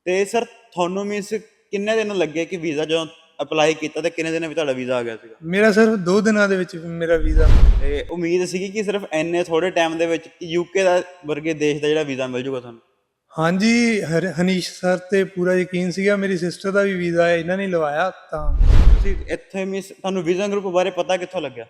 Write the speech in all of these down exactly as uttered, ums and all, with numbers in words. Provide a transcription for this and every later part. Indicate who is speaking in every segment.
Speaker 1: ਤੇ ਸਰ ਤੁਹਾਨੂੰ ਮੀਨਸ ਕਿੰਨੇ ਦਿਨ ਲੱਗੇ ਕਿ ਵੀਜ਼ਾ ਜਦੋਂ ਅਪਲਾਈ ਕੀਤਾ ਤੇ ਕਿੰਨੇ ਦਿਨਾਂ ਵਿੱਚ ਤੁਹਾਡਾ ਵੀਜ਼ਾ ਆ ਗਿਆ ਸੀਗਾ?
Speaker 2: ਮੇਰਾ ਸਿਰਫ ਦੋ ਦਿਨਾਂ ਦੇ ਵਿੱਚ ਮੇਰਾ ਵੀਜ਼ਾ।
Speaker 1: ਤੇ ਉਮੀਦ ਸੀਗੀ ਕਿ ਸਿਰਫ ਇੰਨੇ ਥੋੜੇ ਟਾਈਮ ਦੇ ਵਿੱਚ ਯੂਕੇ ਦਾ ਵਰਗੇ ਦੇਸ਼ ਦਾ ਜਿਹੜਾ ਵੀਜ਼ਾ ਮਿਲ ਜੂਗਾ ਤੁਹਾਨੂੰ?
Speaker 2: ਹਾਂਜੀ, ਹਰ ਹਨੀਸ਼ ਸਰ ਤੇ ਪੂਰਾ ਯਕੀਨ ਸੀਗਾ। ਮੇਰੀ ਸਿਸਟਰ ਦਾ ਵੀ ਵੀਜ਼ਾ ਇਹਨਾਂ ਨੇ ਲਵਾਇਆ ਤਾਂ।
Speaker 1: ਤੁਸੀਂ ਇੱਥੇ ਮੀਨਸ ਤੁਹਾਨੂੰ ਵੀਜ਼ਾ ਗਰੁੱਪ ਬਾਰੇ ਪਤਾ ਕਿੱਥੋਂ ਲੱਗਿਆ?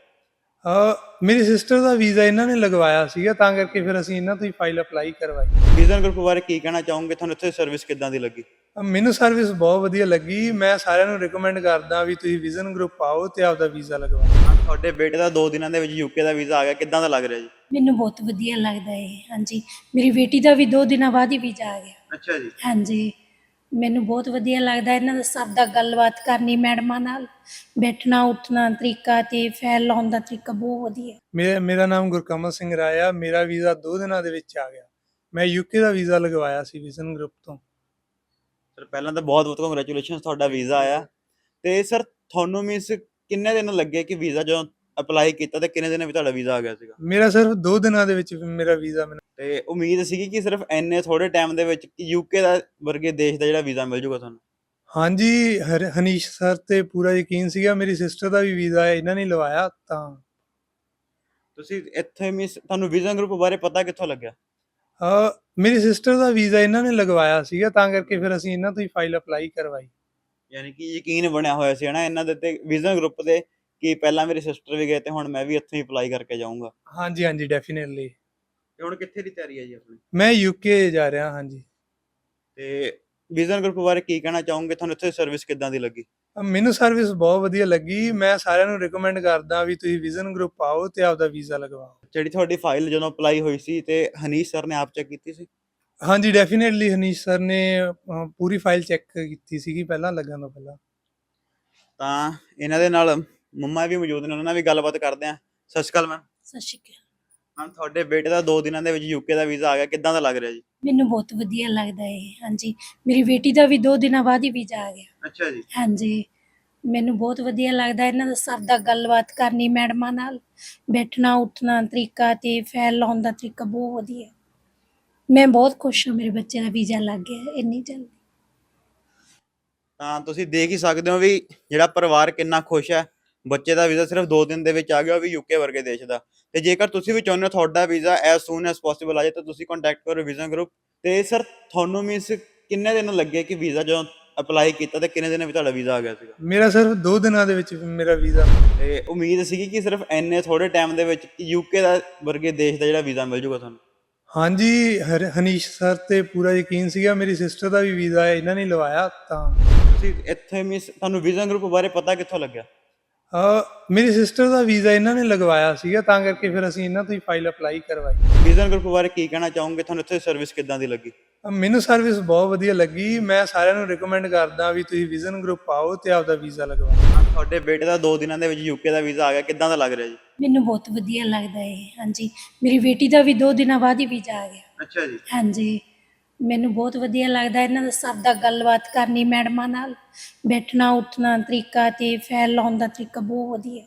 Speaker 2: ਅ ਮੇਰੀ ਸਿਸਟਰ ਦਾ ਵੀਜ਼ਾ ਇਹਨਾਂ ਨੇ ਲਗਵਾਇਆ ਸੀਗਾ, ਤਾਂ ਕਰਕੇ ਫਿਰ ਅਸੀਂ ਇਹਨਾਂ ਤੋਂ ਹੀ ਫਾਈਲ ਅਪਲਾਈ ਕਰਵਾਈ।
Speaker 1: ਵੀਜ਼ਾ ਗਰੁੱਪ ਬਾਰੇ ਕੀ ਕਹਿਣਾ ਚਾਹੋਗੇ? ਤੁਹਾਨੂੰ ਇੱਥੇ ਸਰਵਿਸ ਕਿੱਦਾਂ ਦੀ ਲੱਗੀ?
Speaker 2: ਅ ਮੈਨੂੰ ਸਰਵਿਸ ਬਹੁਤ ਵਧੀਆ ਲੱਗੀ। ਮੈਂ ਸਾਰਿਆਂ ਨੂੰ ਰਿਕਮੈਂਡ ਕਰਦਾ ਵੀ ਤੁਸੀਂ ਵਿਜ਼ਨ ਗਰੁੱਪ ਆਓ ਤੇ ਆਪਦਾ ਵੀਜ਼ਾ ਲਗਵਾਓ।
Speaker 1: ਤੁਹਾਡੇ ਬੇਟੇ ਦਾ ਦੋ ਦਿਨਾਂ ਦੇ ਵਿੱਚ ਯੂਕੇ ਦਾ ਵੀਜ਼ਾ ਆ ਗਿਆ, ਕਿੱਦਾਂ ਦਾ ਲੱਗ ਰਿਹਾ ਜੀ?
Speaker 3: ਮੈਨੂੰ ਬਹੁਤ ਵਧੀਆ ਲੱਗਦਾ ਹੈ। ਹਾਂਜੀ, ਮੇਰੀ ਬੇਟੀ ਦਾ ਵੀ ਦੋ ਦਿਨਾਂ ਬਾਅਦ ਹੀ ਵੀਜ਼ਾ ਆ ਗਿਆ।
Speaker 1: ਅੱਛਾ ਜੀ।
Speaker 3: ਹਾਂਜੀ, ਮੈਨੂੰ ਬਹੁਤ ਵਧੀਆ ਲੱਗਦਾ ਇਹਨਾਂ ਦਾ ਸਭ ਦਾ ਗੱਲਬਾਤ ਕਰਨੀ, ਮੈਡਮਾਂ ਨਾਲ ਬੈਠਣਾ ਉੱਠਣਾ ਤਰੀਕਾ ਤੇ ਫਾਈਲ ਲਾਉਣ ਦਾ ਤਰੀਕਾ ਬਹੁਤ ਵਧੀਆ।
Speaker 2: ਮੇਰਾ ਮੇਰਾ ਨਾਮ ਗੁਰਕਮਲ ਸਿੰਘ ਰਾਇਆ। ਮੇਰਾ ਵੀਜ਼ਾ ਦੋ ਦਿਨਾਂ ਦੇ ਵਿੱਚ ਆ ਗਿਆ। ਮੈਂ ਯੂਕੇ ਦਾ ਵੀਜ਼ਾ ਲਗਵਾਇਆ ਸੀ ਵਿਜ਼ਨ ਗਰੁੱਪ ਤੋਂ।
Speaker 1: ਸਰ ਪਹਿਲਾਂ ਤਾਂ ਬਹੁਤ ਬਹੁਤ ਕੰਗ੍ਰੈਚੁਲੇਸ਼ਨ, ਤੁਹਾਡਾ ਵੀਜ਼ਾ ਆਇਆ। ਤੇ ਸਰ ਤੁਹਾਨੂੰ ਮੀਨਸ ਕਿੰਨੇ ਦਿਨ ਲੱਗੇ ਕਿ ਵੀਜ਼ਾ ਜਦੋਂ ਅਪਲਾਈ ਕੀਤਾ ਤੇ ਕਿੰਨੇ ਦਿਨਾਂ ਵਿੱਚ ਤੁਹਾਡਾ ਵੀਜ਼ਾ ਆ ਗਿਆ ਸੀਗਾ?
Speaker 2: ਮੇਰਾ ਸਿਰਫ ਦੋ ਦਿਨਾਂ ਦੇ ਵਿੱਚ ਮੇਰਾ ਵੀਜ਼ਾ ਮੈਨੂੰ।
Speaker 1: ਤੇ ਉਮੀਦ ਸੀਗੀ ਕਿ ਸਿਰਫ ਇੰਨੇ ਥੋੜੇ ਟਾਈਮ ਦੇ ਵਿੱਚ ਯੂਕੇ ਦਾ ਵਰਗੇ ਦੇਸ਼ ਦਾ ਜਿਹੜਾ ਵੀਜ਼ਾ ਮਿਲ ਜੂਗਾ ਤੁਹਾਨੂੰ?
Speaker 2: ਹਾਂਜੀ, ਹਰ ਹਨੀਸ਼ ਸਰ ਤੇ ਪੂਰਾ ਯਕੀਨ ਸੀਗਾ। ਮੇਰੀ ਸਿਸਟਰ ਦਾ ਵੀ ਵੀਜ਼ਾ ਇਹਨਾਂ ਨੇ ਲਵਾਇਆ ਤਾਂ।
Speaker 1: ਤੁਸੀਂ ਇੱਥੇ ਮੀਨਸ ਤੁਹਾਨੂੰ ਵੀਜ਼ਾ ਗਰੁੱਪ ਬਾਰੇ ਪਤਾ ਕਿੱਥੋਂ ਲੱਗਿਆ?
Speaker 2: ਅ ਮੇਰੀ ਸਿਸਟਰ ਦਾ ਵੀਜ਼ਾ ਇਹਨਾਂ ਨੇ ਲਗਵਾਇਆ ਸੀਗਾ, ਤਾਂ ਕਰਕੇ ਫਿਰ ਅਸੀਂ ਇਹਨਾਂ ਤੋਂ ਹੀ ਫਾਈਲ ਅਪਲਾਈ ਕਰਵਾਈ।
Speaker 1: ਯਾਨੀ ਕਿ ਯਕੀਨ ਬਣਿਆ ਹੋਇਆ ਸੀ ਹਨਾ ਇਹਨਾਂ ਦੇ ਤੇ ਵੀਜ਼ਾ ਗਰੁੱਪ ਦੇ, ਕਿ ਪਹਿਲਾਂ ਮੇਰੀ ਸਿਸਟਰ ਵੀ ਗਏ ਤੇ ਹੁਣ ਮੈਂ ਵੀ ਇੱਥੋਂ ਹੀ ਅਪਲਾਈ ਕਰਕੇ ਜਾਊਂਗਾ।
Speaker 2: ਹਾਂਜੀ ਹਾਂਜੀ, ਡੈਫੀਨੇਟਲੀ।
Speaker 1: ਤੇ ਹੁਣ ਕਿੱਥੇ ਦੀ ਤਿਆਰੀ ਹੈ ਜੀ ਆਪਣੀ?
Speaker 2: ਮੈਂ ਯੂਕੇ ਜਾ ਰਿਹਾ। ਹਾਂਜੀ।
Speaker 1: ਤੇ ਵੀਜ਼ਾ ਗਰੁੱਪ ਬਾਰੇ ਕੀ ਕਹਿਣਾ ਚਾਹੋਗੇ? ਤੁਹਾਨੂੰ ਇੱਥੇ ਸਰਵਿਸ ਕਿੱਦਾਂ ਦੀ ਲੱਗੀ?
Speaker 2: ਅ ਮੈਨੂੰ ਸਰਵਿਸ ਬਹੁਤ ਵਧੀਆ ਲੱਗੀ। ਮੈਂ ਸਾਰਿਆਂ ਨੂੰ ਰਿਕਮੈਂਡ ਕਰਦਾ ਵੀ ਤੁਸੀਂ ਵਿਜ਼ਨ ਗਰੁੱਪ ਆਓ ਤੇ ਆਪਦਾ ਵੀਜ਼ਾ ਲਗਵਾਓ।
Speaker 1: ਜਿਹੜੀ ਤੁਹਾਡੀ ਫਾਈਲ ਜਦੋਂ ਅਪਲਾਈ ਹੋਈ ਸੀ ਤੇ ਹਨੀਸ਼ ਸਰ ਨੇ ਆਪ ਚੈੱਕ ਕੀਤੀ ਸੀ?
Speaker 2: ਹਾਂਜੀ, ਡੈਫੀਨੇਟਲੀ ਹਨੀਸ਼ ਸਰ ਨੇ ਅ, ਪੂਰੀ ਫਾਈਲ ਚੈੱਕ ਕੀਤੀ ਸੀਗੀ ਪਹਿਲਾਂ ਲੱਗਣ ਤੋਂ ਪਹਿਲਾਂ।
Speaker 1: ਤਾਂ ਇਹਨਾਂ ਦੇ ਨਾਲ ਮੰਮਾ ਵੀ ਮੌਜੂਦ ਨੇ, ਉਹਨਾਂ ਨਾਲ ਵੀ ਗੱਲਬਾਤ ਕਰਦੇ ਆ। ਸਤਿ ਸ਼੍ਰੀ ਅਕਾਲ ਮੈਮ।
Speaker 3: ਸਤਿ ਸ਼੍ਰੀ ਅਕਾਲ।
Speaker 1: ਮੈਮ ਤੁਹਾਡੇ ਬੇਟੇ ਦਾ ਦੋ ਦਿਨਾਂ ਦੇ ਵਿੱਚ ਯੂਕੇ ਦਾ ਵੀਜ਼ਾ ਆ ਗਿਆ, ਕਿੱਦਾਂ ਦਾ ਲੱਗ ਰਿਹਾ ਜੀ?
Speaker 3: ਮੈਨੂੰ ਬਹੁਤ ਵਧੀਆ ਲੱਗਦਾ ਹੈ। ਹਾਂਜੀ, ਮੇਰੀ ਬੇਟੀ ਦਾ ਵੀ ਦੋ ਦਿਨਾਂ ਬਾਅਦ ਹੀ ਵੀਜ਼ਾ ਆ ਗਿਆ।
Speaker 1: ਅੱਛਾ ਜੀ।
Speaker 3: ਹਾਂਜੀ, ਮੈਨੂੰ ਬਹੁਤ ਵਧੀਆ ਲੱਗਦਾ ਇਹਨਾਂ ਦਾ ਸਭ ਦਾ ਗੱਲਬਾਤ ਕਰਨੀ, ਮੈਡਮਾਂ ਨਾਲ ਬੈਠਣਾ ਉੱਠਣਾ ਤਰੀਕਾ ਤੇ ਫਾਈਲ ਲਾਉਣ ਦਾ ਤਰੀਕਾ ਬਹੁਤ ਵਧੀਆ। ਮੈਂ ਬਹੁਤ ਖੁਸ਼ ਹਾਂ ਮੇਰੇ ਬੱਚੇ ਦਾ ਵੀਜ਼ਾ ਲੱਗ ਗਿਆ ਇੰਨੀ ਜਲਦੀ।
Speaker 1: ਤਾਂ ਤੁਸੀਂ ਦੇਖ ਹੀ ਸਕਦੇ ਹੋ ਵੀ ਜਿਹੜਾ ਪਰਿਵਾਰ ਕਿੰਨਾ ਖੁਸ਼ ਹੈ। ਬੱਚੇ ਦਾ ਵੀਜ਼ਾ ਸਿਰਫ ਦੋ ਦਿਨ ਦੇ ਵਿੱਚ ਆ ਗਿਆ, ਉਹ ਵੀ ਯੂਕੇ ਵਰਗੇ ਦੇਸ਼ ਦਾ। ਤੇ ਜੇਕਰ ਤੁਸੀਂ ਵੀ ਚਾਹੁੰਦੇ ਹੋ ਤੁਹਾਡਾ visa as soon as possible ਆ ਜਾਏ ਤਾਂ ਤੁਸੀਂ ਕੰਟੈਕਟ ਕਰੋ ਵੀਜ਼ਾ ਗਰੁੱਪ। ਤੇ ਸਰ ਤੁਹਾਨੂੰ ਮੀਨਸ ਕਿੰਨੇ ਦਿਨ ਲੱਗੇ ਕਿ ਵੀਜ਼ਾ ਜਦੋਂ ਅਪਲਾਈ ਕੀਤਾ ਤੇ ਕਿੰਨੇ ਦਿਨਾਂ ਵਿੱਚ ਤੁਹਾਡਾ ਵੀਜ਼ਾ ਆ ਗਿਆ ਸੀਗਾ?
Speaker 2: ਮੇਰਾ ਸਿਰਫ ਦੋ ਦਿਨਾਂ ਦੇ ਵਿੱਚ ਮੇਰਾ ਵੀਜ਼ਾ।
Speaker 1: ਤੇ ਉਮੀਦ ਸੀਗੀ ਕਿ ਸਿਰਫ ਇੰਨੇ ਥੋੜੇ ਟਾਈਮ ਦੇ ਵਿੱਚ ਯੂਕੇ ਦਾ ਵਰਗੇ ਦੇਸ਼ ਦਾ ਜਿਹੜਾ ਵੀਜ਼ਾ ਮਿਲ ਜੂਗਾ ਤੁਹਾਨੂੰ?
Speaker 2: ਹਾਂਜੀ, ਹਰ ਹਨੀਸ਼ ਸਰ ਤੇ ਪੂਰਾ ਯਕੀਨ ਸੀਗਾ। ਮੇਰੀ ਸਿਸਟਰ ਦਾ ਵੀ ਵੀਜ਼ਾ ਇਹਨਾਂ ਨੇ ਲਵਾਇਆ ਤਾਂ।
Speaker 1: ਤੁਸੀਂ ਇੱਥੇ ਮੀਨਸ ਤੁਹਾਨੂੰ ਵੀਜ਼ਾ ਗਰੁੱਪ ਬਾਰੇ ਪਤਾ ਕਿੱਥੋਂ ਲੱਗਿਆ?
Speaker 2: ਅ ਮੇਰੀ ਸਿਸਟਰ ਦਾ ਵੀਜ਼ਾ ਇਹਨਾਂ ਨੇ ਲਗਵਾਇਆ ਸੀਗਾ, ਤਾਂ ਕਰਕੇ ਫਿਰ ਅਸੀਂ ਇਹਨਾਂ ਤੋਂ ਹੀ ਫਾਈਲ ਅਪਲਾਈ ਕਰਵਾਈ।
Speaker 1: ਵੀਜ਼ਾ ਗਰੁੱਪ ਬਾਰੇ ਕੀ ਕਹਿਣਾ ਚਾਹੋਗੇ? ਤੁਹਾਨੂੰ ਇੱਥੇ ਸਰਵਿਸ ਕਿੱਦਾਂ ਦੀ ਲੱਗੀ?
Speaker 2: ਅ ਮੈਨੂੰ ਸਰਵਿਸ ਬਹੁਤ ਵਧੀਆ ਲੱਗੀ। ਮੈਂ ਸਾਰਿਆਂ ਨੂੰ ਰਿਕਮੈਂਡ ਕਰਦਾ ਵੀ ਤੁਸੀਂ ਵਿਜ਼ਨ ਗਰੁੱਪ ਆਓ ਤੇ ਆਪਦਾ ਵੀਜ਼ਾ ਲਗਵਾਓ।
Speaker 1: ਤੁਹਾਡੇ ਬੇਟੇ ਦਾ ਦੋ ਦਿਨਾਂ ਦੇ ਵਿੱਚ ਯੂਕੇ ਦਾ ਵੀਜ਼ਾ ਆ ਗਿਆ, ਕਿੱਦਾਂ ਦਾ ਲੱਗ ਰਿਹਾ ਜੀ?
Speaker 3: ਮੈਨੂੰ ਬਹੁਤ ਵਧੀਆ ਲੱਗਦਾ ਹੈ। ਹਾਂਜੀ, ਮੇਰੀ ਬੇਟੀ ਦਾ ਵੀ ਦੋ ਦਿਨਾਂ ਬਾਅਦ ਹੀ ਵੀਜ਼ਾ ਆ ਗਿਆ।
Speaker 1: ਅੱਛਾ ਜੀ।
Speaker 3: ਹਾਂਜੀ, ਮੈਨੂੰ ਬਹੁਤ ਵਧੀਆ ਲੱਗਦਾ ਇਹਨਾਂ ਦਾ ਸਭ ਦਾ ਗੱਲਬਾਤ ਕਰਨੀ, ਮੈਡਮਾਂ ਨਾਲ ਬੈਠਣਾ ਉੱਠਣਾ ਤਰੀਕਾ ਤੇ ਫਾਈਲ ਲਾਉਣ ਦਾ ਤਰੀਕਾ ਬਹੁਤ ਵਧੀਆ।